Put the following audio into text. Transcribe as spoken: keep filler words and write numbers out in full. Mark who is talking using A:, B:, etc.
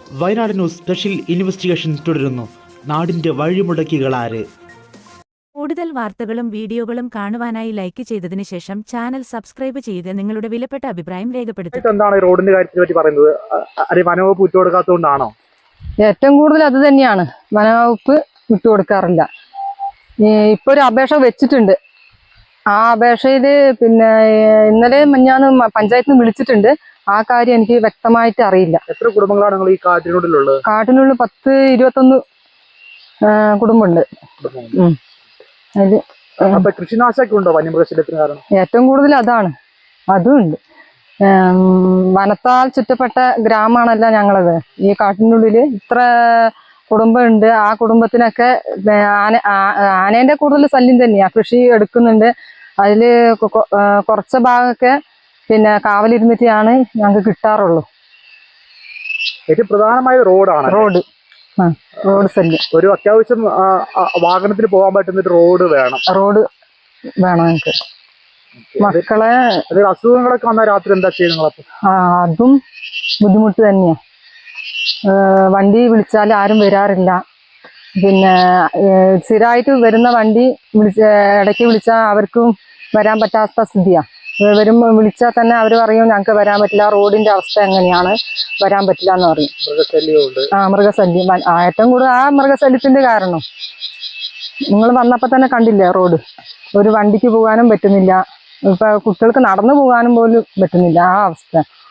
A: Wayanad news special investigation തുടരുന്നു. നാടിന്റെ വഴിമുടക്കികളാര്?
B: കൂടുതൽ വാർത്തകളും വീഡിയോകളും കാണുവാനായി ലൈക്ക് ചെയ്തതിന് ശേഷം ചാനൽ സബ്സ്ക്രൈബ് ചെയ്ത് നിങ്ങളുടെ വിലപ്പെട്ട അഭിപ്രായം രേഖപ്പെടുത്തുക.
C: എന്താണ് റോഡിന്റെ കാര്യത്തെ പറ്റി പറയുന്നത്? വനവകുപ്പ് വിട്ടുകൊടുക്കാത്തതുകൊണ്ടാണോ?
D: ഏറ്റവും കൂടുതൽ അത് തന്നെയാണ്. വനവകുപ്പ് വിട്ടുകൊടുക്കാറില്ല. ഇപ്പൊ ഒരു അപേക്ഷ വെച്ചിട്ടുണ്ട്. ആ അപേക്ഷയില് പിന്നെ ഇന്നലെ മഞ്ഞാന്ന് പഞ്ചായത്തിൽ നിന്ന് വിളിച്ചിട്ടുണ്ട്. ആ കാര്യം എനിക്ക് വ്യക്തമായിട്ട് അറിയില്ല.
C: എത്ര കുടുംബങ്ങളാണ് നിങ്ങൾ ഈ കാട്ടിനുള്ളിലുള്ളത്?
D: കാട്ടിനുള്ളിൽ പത്ത് ഇരുപത്തൊന്ന് കുടുംബമുണ്ട്. അതില്
C: അപ്പൊ കൃഷിനാശമൊക്കെ ഉണ്ടോ വന്യമൃഗശല്യത്തിന് കാരണം?
D: ഏറ്റവും കൂടുതൽ അതാണ്. അതും ഉണ്ട്. വനത്താൽ ചുറ്റപ്പെട്ട ഗ്രാമമാണല്ലോ ഞങ്ങളത്. ഈ കാട്ടിനുള്ളിൽ ഇത്ര കുടുംബമുണ്ട്. ആ കുടുംബത്തിനൊക്കെ ആന ആനേന്റെ കൂടുതൽ ശല്യം തന്നെയാ. കൃഷി എടുക്കുന്നുണ്ട്. അതില് കുറച്ച ഭാഗമൊക്കെ പിന്നെ കാവലിരുന്നിട്ടാണ് ഞങ്ങൾക്ക് കിട്ടാറുള്ളൂ.
C: ഏറ്റവും പ്രധാനമായ റോഡാണ്
D: റോഡ്. ആ റോഡ് ശല്യം.
C: ഒരു അത്യാവശ്യം വാഹനത്തിന് പോകാൻ പറ്റുന്ന ഒരു റോഡ് വേണം.
D: റോഡ് വേണം ഞങ്ങൾക്ക്. മക്കളെ
C: അസുഖങ്ങളൊക്കെ വന്നാൽ രാത്രി എന്താ ചെയ്യുന്നത്?
D: ആ അതും ബുദ്ധിമുട്ട് തന്നെയാ. വണ്ടി വിളിച്ചാൽ ആരും വരാറില്ല. പിന്നെ സ്ഥിരമായിട്ട് വരുന്ന വണ്ടി വിളിച്ച ഇടയ്ക്ക് വിളിച്ചാൽ അവർക്കും വരാൻ പറ്റാത്ത സ്ഥിതിയാ. വരുമ്പോൾ വിളിച്ചാൽ തന്നെ അവർ പറയും ഞങ്ങൾക്ക് വരാൻ പറ്റില്ല, റോഡിന്റെ അവസ്ഥ എങ്ങനെയാണ്, വരാൻ പറ്റില്ല എന്ന് പറയും.
C: മൃഗശല്യമുണ്ട്.
D: ആ മൃഗശല്യം ഏറ്റവും കൂടുതൽ ആ മൃഗശല്യത്തിന്റെ കാരണം. നിങ്ങൾ വന്നപ്പോൾ തന്നെ കണ്ടില്ലേ റോഡ്. ഒരു വണ്ടിക്ക് പോകാനും പറ്റുന്നില്ല. ഇപ്പൊ കുട്ടികൾക്ക് നടന്നു പോകാനും പോലും പറ്റുന്നില്ല. ആ അവസ്ഥ.